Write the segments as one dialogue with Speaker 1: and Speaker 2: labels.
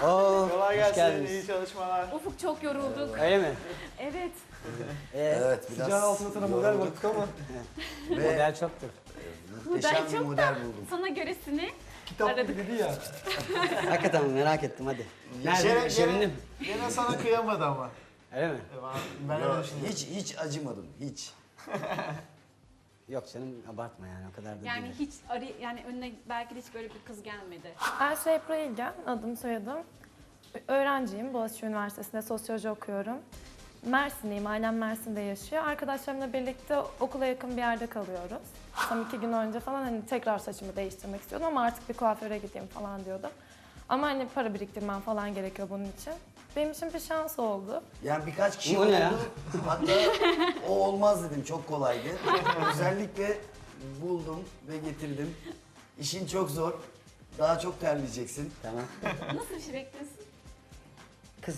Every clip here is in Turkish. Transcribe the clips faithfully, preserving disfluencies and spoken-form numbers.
Speaker 1: Oo,
Speaker 2: Kolay
Speaker 1: hoş
Speaker 2: gelsin,
Speaker 1: geldiniz.
Speaker 2: iyi çalışmalar.
Speaker 3: Ufuk çok yorulduk.
Speaker 1: Öyle mi?
Speaker 3: Evet.
Speaker 1: Ee,
Speaker 4: Evet, biraz
Speaker 5: Sıcağın altında sana model baktık ama
Speaker 4: ve
Speaker 1: Model çoktur.
Speaker 4: muhteşem
Speaker 3: Model
Speaker 4: bir
Speaker 3: çok
Speaker 4: model buldum.
Speaker 3: Sana göresini
Speaker 5: kitap
Speaker 3: aradık.
Speaker 5: gibi dedi ya.
Speaker 1: Hakikaten merak ettim hadi.
Speaker 2: Şere-
Speaker 1: Nerede?
Speaker 2: gene,
Speaker 1: Şirinim.
Speaker 2: gene sana kıyamadı ama.
Speaker 1: Öyle mi?
Speaker 2: Ben
Speaker 4: Yo,
Speaker 2: öyle düşünüyorum.
Speaker 4: hiç hiç acımadım, hiç.
Speaker 1: Yok canım abartma yani o kadar da
Speaker 3: Yani
Speaker 1: değil.
Speaker 3: hiç arı yani önüne belki de hiç böyle bir kız gelmedi.
Speaker 6: Ayşe Ebru İlgen, adım soyadım. Öğrenciyim, Boğaziçi Üniversitesi'nde sosyoloji okuyorum. Mersinliyim, ailem Mersin'de yaşıyor. Arkadaşlarımla birlikte okula yakın bir yerde kalıyoruz. Tam iki gün önce falan hani tekrar saçımı değiştirmek istiyordum ama artık bir kuaföre gideyim falan diyordum. Ama hani para biriktirmem falan gerekiyor bunun için. Benim için bir şans oldu.
Speaker 4: Yani birkaç kişi
Speaker 1: Bu ne
Speaker 4: oldu.
Speaker 1: ya?
Speaker 4: Hatta o olmaz dedim, çok kolaydı. Özellikle buldum ve getirdim. İşin çok zor. Daha çok terleyeceksin.
Speaker 1: Tamam.
Speaker 3: Nasıl bir şey bekliyorsun?
Speaker 1: Kız.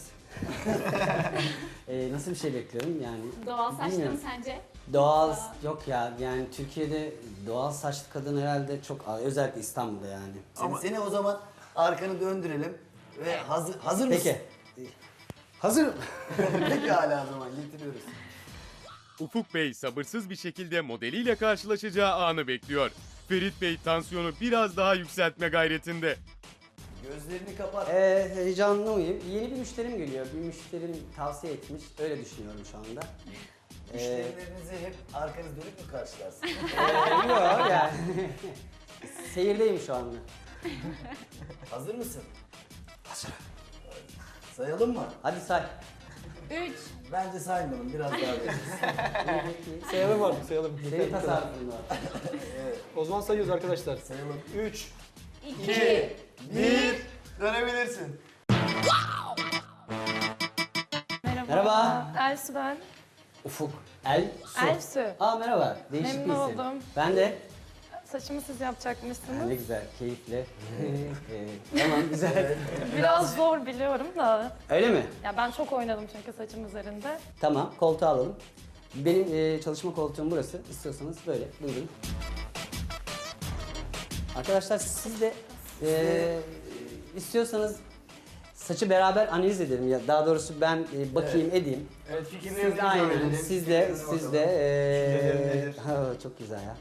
Speaker 1: ee, nasıl bir şey bekliyorum yani?
Speaker 3: Doğal saçlı mı
Speaker 1: Bilmiyorum.
Speaker 3: sence?
Speaker 1: Doğal yok ya yani Türkiye'de doğal saçlı kadın herhalde çok az, özellikle İstanbul'da yani.
Speaker 4: Seni, seni o zaman arkanı döndürelim ve hazır hazır mısın?
Speaker 1: Peki. Hazırım.
Speaker 4: Peki hala o zaman getiriyoruz.
Speaker 7: Ufuk Bey sabırsız bir şekilde modeliyle karşılaşacağı anı bekliyor. Ferit Bey tansiyonu biraz daha yükseltme gayretinde.
Speaker 4: Gözlerini kapat.
Speaker 1: Ee, heyecanlı mıyım? Yeni bir müşterim geliyor. Bir müşterim tavsiye etmiş. Öyle düşünüyorum şu anda. Ee,
Speaker 4: Müşterilerinizi hep arkanız dönüp mü karşılarsın?
Speaker 1: ee, yok yani. Seyirdeyim şu anda.
Speaker 4: Hazır mısın? Hazır. Sayalım mı?
Speaker 1: Hadi say.
Speaker 3: Üç.
Speaker 4: Bence saymayalım, biraz daha veririz.
Speaker 5: Sayalım artık sayalım.
Speaker 1: Senin tasarrufun var.
Speaker 5: O zaman sayıyoruz arkadaşlar.
Speaker 4: Sayalım.
Speaker 5: üç.
Speaker 3: İki.
Speaker 2: Bir, dönebilirsin.
Speaker 6: Merhaba.
Speaker 1: Merhaba.
Speaker 6: Elsu ben.
Speaker 1: Ufuk. El. Su.
Speaker 6: Elsu.
Speaker 1: Aa merhaba. Değişik
Speaker 6: Memnun
Speaker 1: bir isim.
Speaker 6: oldum.
Speaker 1: Ben de.
Speaker 6: Saçımı siz
Speaker 1: Ha,
Speaker 6: yapacakmışsınız.
Speaker 1: ne güzel, keyifle. Ee, tamam güzel.
Speaker 6: Biraz zor biliyorum da.
Speaker 1: Öyle mi?
Speaker 6: Ya ben çok oynadım çünkü saçım üzerinde.
Speaker 1: Tamam, koltuğu alalım. Benim e, çalışma koltuğum burası. İstiyorsanız böyle, buyurun. Arkadaşlar siz de e, istiyorsanız saçı beraber analiz edelim ya. Daha doğrusu ben e, bakayım, edeyim.
Speaker 2: Evet,
Speaker 1: Siz
Speaker 2: fikirlerinizi
Speaker 1: de aynen,
Speaker 2: söyleyelim.
Speaker 1: siz de,
Speaker 2: Fikirlerinizi
Speaker 1: siz de.
Speaker 2: bakalım. Düşüncelerin
Speaker 1: E,
Speaker 2: nedir?
Speaker 1: ha, çok güzel ya.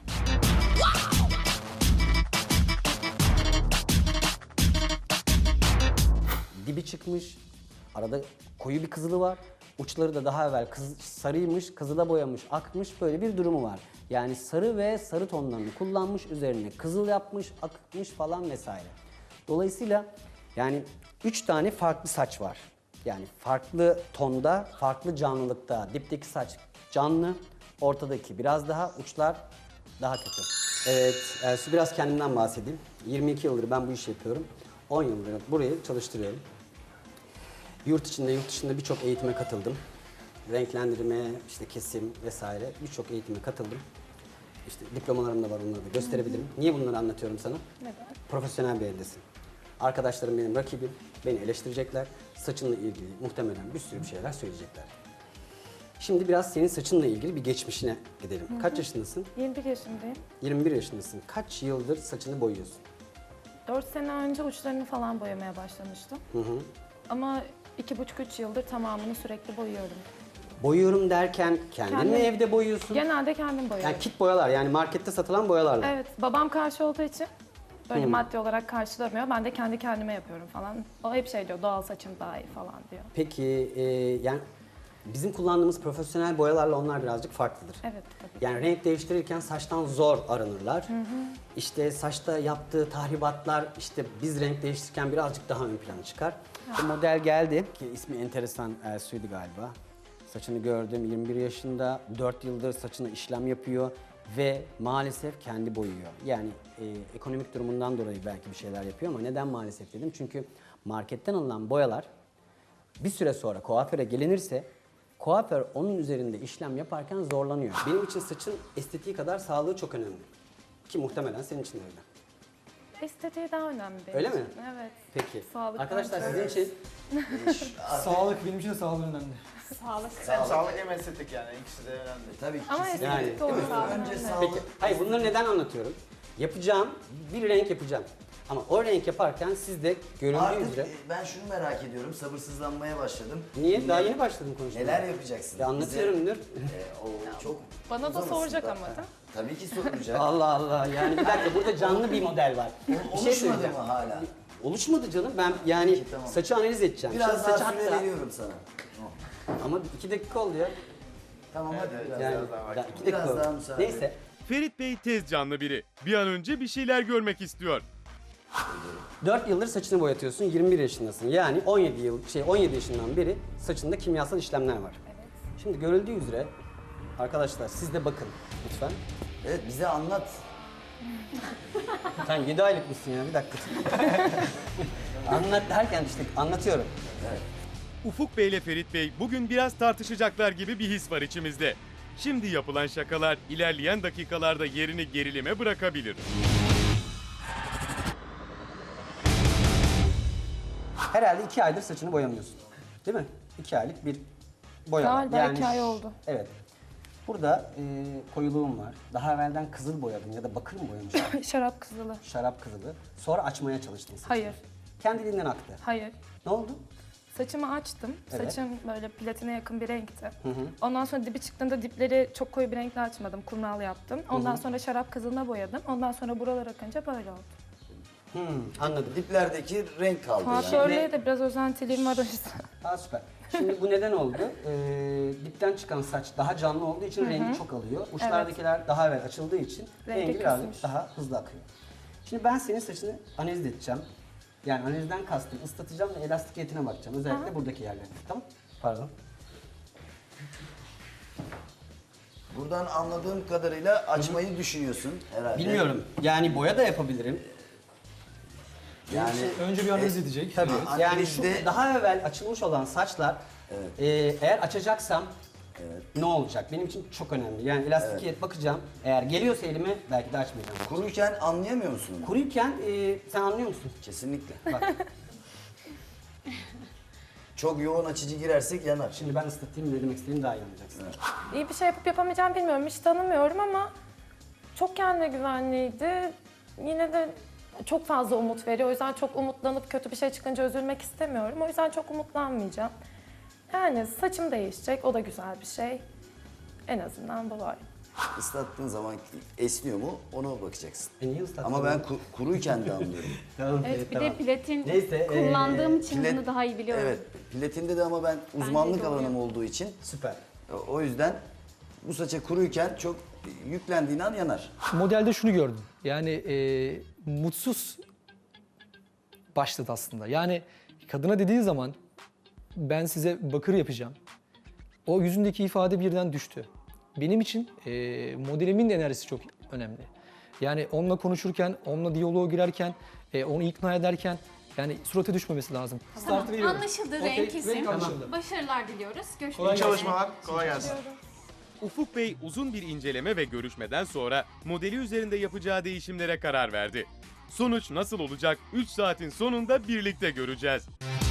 Speaker 1: Dibi çıkmış, arada koyu bir kızılı var. Uçları da daha evvel kız, sarıymış, kızıla boyamış, akmış böyle bir durumu var. Yani sarı ve sarı tonlarını kullanmış, üzerine kızıl yapmış, akmış falan vesaire. Dolayısıyla yani üç tane farklı saç var. Yani farklı tonda, farklı canlılıkta. Dipteki saç canlı, ortadaki biraz daha, uçlar daha kötü. Evet, Elsu biraz kendimden bahsedeyim. yirmi iki yıldır ben bu işi yapıyorum. on yıldır burayı çalıştırıyorum. Yurt içinde, yurt dışında birçok eğitime katıldım. Renklendirme, işte kesim vesaire birçok eğitime katıldım. İşte diplomalarım da var, onları da gösterebilirim. Niye bunları anlatıyorum sana?
Speaker 6: Neden?
Speaker 1: Profesyonel bir eldesin. Arkadaşlarım benim rakibim, beni eleştirecekler. Saçınla ilgili muhtemelen bir sürü bir şeyler söyleyecekler. Şimdi biraz senin saçınla ilgili bir geçmişine gidelim. Kaç yaşındasın?
Speaker 6: yirmi bir yaşındayım.
Speaker 1: yirmi bir yaşındasın. Kaç yıldır saçını boyuyorsun?
Speaker 6: dört sene önce uçlarını falan boyamaya başlamıştım.
Speaker 1: Hı hı.
Speaker 6: Ama iki buçuk üç yıldır tamamını sürekli boyuyorum.
Speaker 1: Boyuyorum derken kendin mi
Speaker 6: Kendim.
Speaker 1: evde boyuyorsun?
Speaker 6: Genelde kendim boyuyorum.
Speaker 1: Yani kit boyalar, yani markette satılan boyalarla.
Speaker 6: Evet, babam karşı olduğu için böyle maddi olarak karşılamıyor. Ben de kendi kendime yapıyorum falan. O hep şey diyor, doğal saçım daha iyi falan diyor.
Speaker 1: Peki e, yani bizim kullandığımız profesyonel boyalarla onlar birazcık farklıdır.
Speaker 6: Evet, tabii.
Speaker 1: Yani renk değiştirirken saçtan zor arınırlar. İşte saçta yaptığı tahribatlar işte biz renk değiştirirken birazcık daha ön plana çıkar. Bu model geldi ki ismi enteresan, Elsu'ydu galiba. Saçını gördüm, yirmi bir yaşında, dört yıldır saçına işlem yapıyor ve maalesef kendi boyuyor. Yani e, ekonomik durumundan dolayı belki bir şeyler yapıyor ama neden maalesef dedim? Çünkü marketten alınan boyalar bir süre sonra kuaföre gelinirse kuaför onun üzerinde işlem yaparken zorlanıyor. Benim için saçın estetiği kadar sağlığı çok önemli. Ki muhtemelen senin için de öyle.
Speaker 6: Estetiği daha önemli benim
Speaker 1: Öyle
Speaker 6: için.
Speaker 1: mi?
Speaker 6: Evet.
Speaker 1: Peki.
Speaker 6: Sağlık
Speaker 1: Arkadaşlar
Speaker 6: bence.
Speaker 1: sizin için
Speaker 5: Sağlık benim için de sağlık önemli.
Speaker 3: Sağlık.
Speaker 2: Hem sağlık hem estetik yani, ikisi de önemli.
Speaker 4: Tabii ki.
Speaker 6: Ama
Speaker 4: kesinlikle.
Speaker 6: estetik de olur.
Speaker 4: Önce
Speaker 6: önemli.
Speaker 4: sağlık.
Speaker 1: Peki, hayır bunları neden anlatıyorum? Yapacağım, bir renk yapacağım. Ama o renk yaparken siz de görüldüğü
Speaker 4: Artık
Speaker 1: üzere...
Speaker 4: e, ben şunu merak ediyorum. Sabırsızlanmaya başladım.
Speaker 1: Niye? Daha yeni başladım konuşmaya.
Speaker 4: Neler yapacaksın?
Speaker 1: Ya anlatıyorum Münir.
Speaker 4: Bize, e, o çok
Speaker 6: Bana da
Speaker 4: uzamasın
Speaker 6: soracak
Speaker 4: da.
Speaker 6: ama değil mi?
Speaker 4: Tabii ki soracak.
Speaker 1: Allah Allah, yani bir dakika, burada canlı bir model var. Bir şey
Speaker 4: Oluşmadı
Speaker 1: söyleyeceğim.
Speaker 4: mı hala?
Speaker 1: Oluşmadı canım, ben yani
Speaker 4: Peki, tamam.
Speaker 1: saçı analiz edeceğim.
Speaker 4: Biraz
Speaker 1: Şimdi
Speaker 4: daha
Speaker 1: saçı
Speaker 4: süre
Speaker 1: hatta-
Speaker 4: veriyorum sana.
Speaker 1: Ama iki dakika oldu ya.
Speaker 4: Tamam hadi
Speaker 2: evet,
Speaker 4: biraz
Speaker 1: Yani
Speaker 2: Biraz daha
Speaker 1: ya
Speaker 2: vakit.
Speaker 1: iki
Speaker 4: Biraz
Speaker 1: dakika
Speaker 4: daha
Speaker 1: oldu.
Speaker 4: müsaade.
Speaker 1: Neyse.
Speaker 7: Ferit Bey tez canlı biri. Bir an önce bir şeyler görmek istiyor.
Speaker 1: dört yıldır saçını boyatıyorsun, yirmi bir yaşındasın. Yani on yedi yıl şey on yedi yaşından beri saçında kimyasal işlemler var. Şimdi görüldüğü üzere arkadaşlar siz de bakın lütfen.
Speaker 4: Evet bize anlat.
Speaker 1: Sen yedi aylık mısın ya, bir dakika. Anlat derken işte anlatıyorum.
Speaker 7: Ufuk Bey ile Ferit Bey bugün biraz tartışacaklar gibi bir his var içimizde. Şimdi yapılan şakalar ilerleyen dakikalarda yerini gerilime bırakabilir.
Speaker 1: Herhalde iki aydır saçını boyamıyorsun. Değil mi? İki aylık bir boya var.
Speaker 6: Galiba iki ay oldu.
Speaker 1: Evet. Burada e, koyuluğum var. Daha evvelden kızıl boyadım ya da bakır mı boyamıştım?
Speaker 6: Şarap kızılı.
Speaker 1: Şarap kızılı. Sonra açmaya çalıştım saçını.
Speaker 6: Hayır.
Speaker 1: Kendiliğinden aktı.
Speaker 6: Hayır.
Speaker 1: Ne oldu?
Speaker 6: Saçımı açtım.
Speaker 1: Evet.
Speaker 6: Saçım böyle platine yakın bir renkti. Ondan sonra dibi çıktığında dipleri çok koyu bir renkle açmadım. Kumral yaptım. Ondan sonra şarap kızılına boyadım. Ondan sonra buralar akınca böyle oldu.
Speaker 1: Hmm, anladım.
Speaker 4: Diplerdeki renk kaldı yani.
Speaker 6: Kuaförlüğe de biraz özentiliğim var o yüzden.
Speaker 1: Aa, süper. Şimdi bu neden oldu? Ee, dipten çıkan saç daha canlı olduğu için rengi çok alıyor. Uçlardakiler daha evvel açıldığı için
Speaker 6: Rengi
Speaker 1: rengi birazcık
Speaker 6: kısmış.
Speaker 1: daha hızlı akıyor. Şimdi ben senin saçını analiz edeceğim. Yani analizden kastım ıslatacağım ve elastikiyetine bakacağım. Özellikle buradaki yerlere. Tamam? Pardon.
Speaker 4: Buradan anladığım kadarıyla açmayı düşünüyorsun herhalde.
Speaker 1: Bilmiyorum. Yani boya da yapabilirim.
Speaker 4: Yani
Speaker 5: Önce bir analiz edecek.
Speaker 1: Tabii.
Speaker 4: Evet.
Speaker 1: Yani şu
Speaker 4: Analizde-
Speaker 1: daha evvel açılmış olan saçlar e, eğer açacaksam ne olacak? Benim için çok önemli. Yani elastikiyet bakacağım. Eğer geliyorsa elime belki de açmayacağım.
Speaker 4: kuruyken anlayamıyor musun onu?
Speaker 1: Kuruyken e, sen anlıyor musun?
Speaker 4: Kesinlikle.
Speaker 1: Bak
Speaker 4: Çok yoğun açıcı girersek yanar.
Speaker 1: şimdi ben ıslatayım, ne demek istediğimi daha iyi anlayacaksın.
Speaker 6: İyi bir şey yapıp yapamayacağımı bilmiyorum. Hiç tanımıyorum ama çok kendine güvenliydi. Yine de çok fazla umut veriyor. O yüzden çok umutlanıp kötü bir şey çıkınca üzülmek istemiyorum. O yüzden çok umutlanmayacağım. Yani saçım değişecek. O da güzel bir şey. En azından bu var.
Speaker 4: Islattığın zaman esniyor mu ona bakacaksın.
Speaker 1: E niye ıslattın?
Speaker 4: Ama ben ku- kuruyken de anlıyorum.
Speaker 1: Tamam,
Speaker 3: Evet,
Speaker 1: evet,
Speaker 3: bir
Speaker 1: tamam.
Speaker 3: de platin
Speaker 1: Neyse, e,
Speaker 3: kullandığım için
Speaker 4: Plat-
Speaker 3: bunu daha iyi biliyorum.
Speaker 4: Evet, platinde de ama ben uzmanlık
Speaker 3: de oluyor.
Speaker 4: alanım olduğu için
Speaker 1: Süper.
Speaker 4: o yüzden bu saça kuruyken çok yüklendiğin an yanar.
Speaker 5: Modelde şunu gördüm. Yani e, mutsuz başladı aslında. Yani kadına dediği zaman ben size bakır yapacağım. O yüzündeki ifade birden düştü. Benim için e, modelimin de enerjisi çok önemli. Yani onunla konuşurken, onunla diyaloğa girerken, e, onu ikna ederken yani surata düşmemesi lazım. Startı veriyorum.
Speaker 3: Anlaşıldı,
Speaker 5: Okey,
Speaker 3: renk isim.
Speaker 5: renk anlaşıldı.
Speaker 3: Başarılar diliyoruz. Görüşmek
Speaker 5: Kolay
Speaker 2: İyi
Speaker 3: üzere.
Speaker 2: çalışmalar. Kolay gelsin.
Speaker 7: Ufuk Bey uzun bir inceleme ve görüşmeden sonra modeli üzerinde yapacağı değişimlere karar verdi. Sonuç nasıl olacak? üç saatin sonunda birlikte göreceğiz.